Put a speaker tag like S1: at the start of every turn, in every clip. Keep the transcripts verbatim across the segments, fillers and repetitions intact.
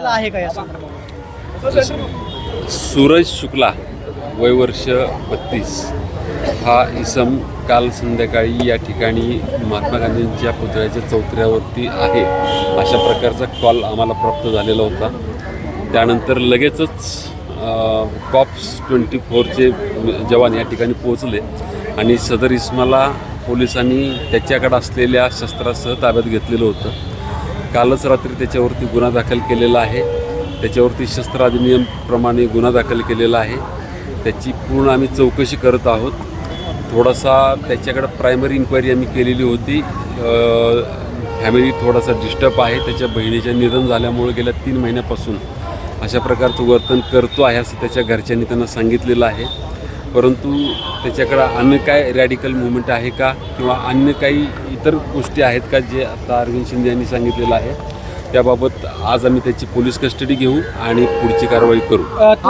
S1: आहे का या संदर्भात?
S2: सूरज शुक्ला वय वर्ष बत्तीस हा इसम काल संध्याकाळी या ठिकाणी महात्मा गांधींच्या पुतळ्याच्या चौथऱ्यावरती आहे अशा प्रकारचा कॉल आम्हाला प्राप्त झालेला होता. त्यानंतर लगेचच कॉप्स ट्वेंटी फोरचे जवान या ठिकाणी पोहोचले आणि सदर इसमाला पोलिसांनी त्याच्याकडे असलेल्या शस्त्रासह ताब्यात घेतलेलं होतं. कालच रात्री त्याच्यावरती गुन्हा दाखल केलेला आहे. त्याच्यावरती शस्त्र अधिनियमप्रमाणे गुन्हा दाखल केलेला आहे. त्याची पूर्ण आम्ही चौकशी करत आहोत. थोडासा त्याच्याकडं प्रायमरी इन्क्वायरी आम्ही केलेली होती. फॅमिली थोडासा डिस्टर्ब आहे. त्याच्या बहिणीचे निधन झाल्यामुळे गेल्या तीन महिन्यापासून अशा प्रकारचं वर्तन करतो आहे असं त्याच्या घरच्यांनी त्यांना सांगितलेलं आहे. परंतु त्याच्याकडं अन्य काय रॅडिकल मुवमेंट आहे का किंवा अन्य काही इतर गोष्टी आहेत का जे आता अरविंद शिंदे यांनी सांगितलेलं आहे त्याबाबत आज आम्ही त्याची पोलीस कस्टडी घेऊ आणि पुढची कारवाई करू.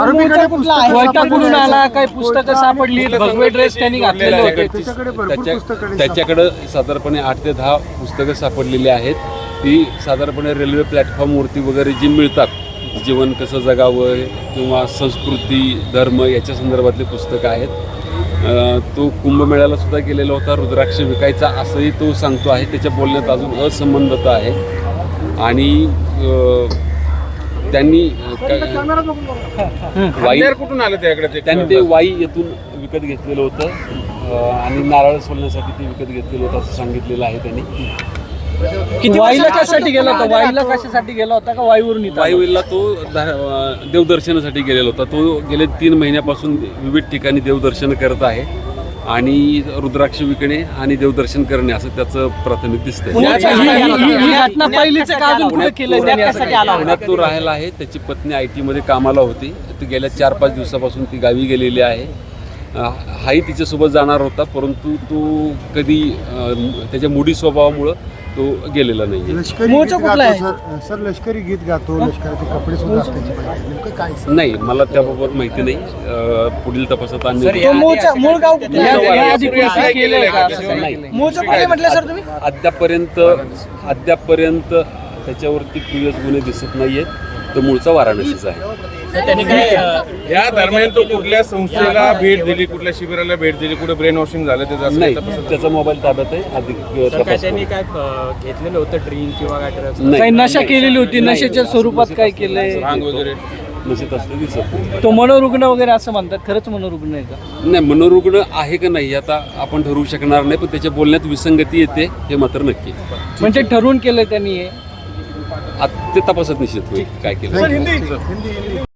S1: काही पुस्तकं सापडली, भगवे ड्रेस त्यांनी घातलेले होते.
S2: त्याच्याकडं साधारणपणे आठ ते दहा पुस्तकं सापडलेली आहेत. ती साधारणपणे रेल्वे प्लॅटफॉर्मवरती वगैरे जी मिळतात, जीवन कसं जगावं किंवा संस्कृती धर्म याच्या संदर्भातली पुस्तकं आहेत. तो कुंभमेळ्याला सुद्धा गेलेला होता रुद्राक्ष विकायचा असंही तो सांगतो आहे. त्याच्या बोलण्यात अजून असंबद्धता आहे आणि त्यांनी वाई
S3: कुठून आलं त्याकडे
S2: त्यांनी ते वाई येथून विकत घेतलेलं होतं आणि नारळ सोलण्यासाठी ते विकत घेतलेलं होतं असं सांगितलेलं आहे त्यांनी.
S1: वाईला कशासाठी गेला होता? वाईला कशासाठी गेला होता का वाईवरून?
S2: वाईला तो देवदर्शनासाठी गेलेला होता. तो गेले तीन महिन्यापासून विविध ठिकाणी देवदर्शन करत आहे आणि रुद्राक्ष विकणे आणि देवदर्शन करणे असं त्याचं प्राथमिक दिसतंय. पुण्यात तो राहायला आहे. त्याची पत्नी आय टीमध्ये कामाला होती. ती गेल्या चार पाच दिवसापासून ती गावी गेलेली आहे. हाही तिच्यासोबत जाणार होता परंतु तो कधी त्याच्या मुडी स्वभावामुळं तो गेलेला नाही.
S4: सर लष्करी गीत गातो, लष्कराचे कपडे सुद्धा काय
S2: नाही, मला त्याबाबत माहिती नाही. पुढील तपासात
S1: अद्यापर्यंत
S2: अद्यापर्यंत त्याच्यावरती प्रिव्हियस गुन्हे दिसत नाहीयेत. तो मूळचा वाराणसीचा आहे.
S3: या दरम्यान तो कुठल्या संस्थेला भेट दिली, कुठल्या शिबिराला भेट दिली, कुठे ब्रेन वॉशिंग झालं त्याचं
S2: नाही. त्याचा मोबाईल ताब्यात आहे. अधिक तपास
S5: त्यांनी काय घेतलेलं होतं ड्रिंक किंवा काय
S1: काही नशा केलेली होती, नशेच्या स्वरूपात काय केलंय
S3: वगैरे
S2: नशेत असतं दिसत.
S1: तो मनोरुग्ण वगैरे असं म्हणतात. खरंच मनोरुग्ण आहे का?
S2: नाही, मनोरुग्ण आहे का नाही आता आपण ठरवू शकणार नाही. पण त्याच्या बोलण्यात विसंगती येते हे मात्र नक्की.
S1: म्हणजे ठरवून केलंय त्यांनी हे?
S2: ते तपासात निश्चित होईल काय केलं.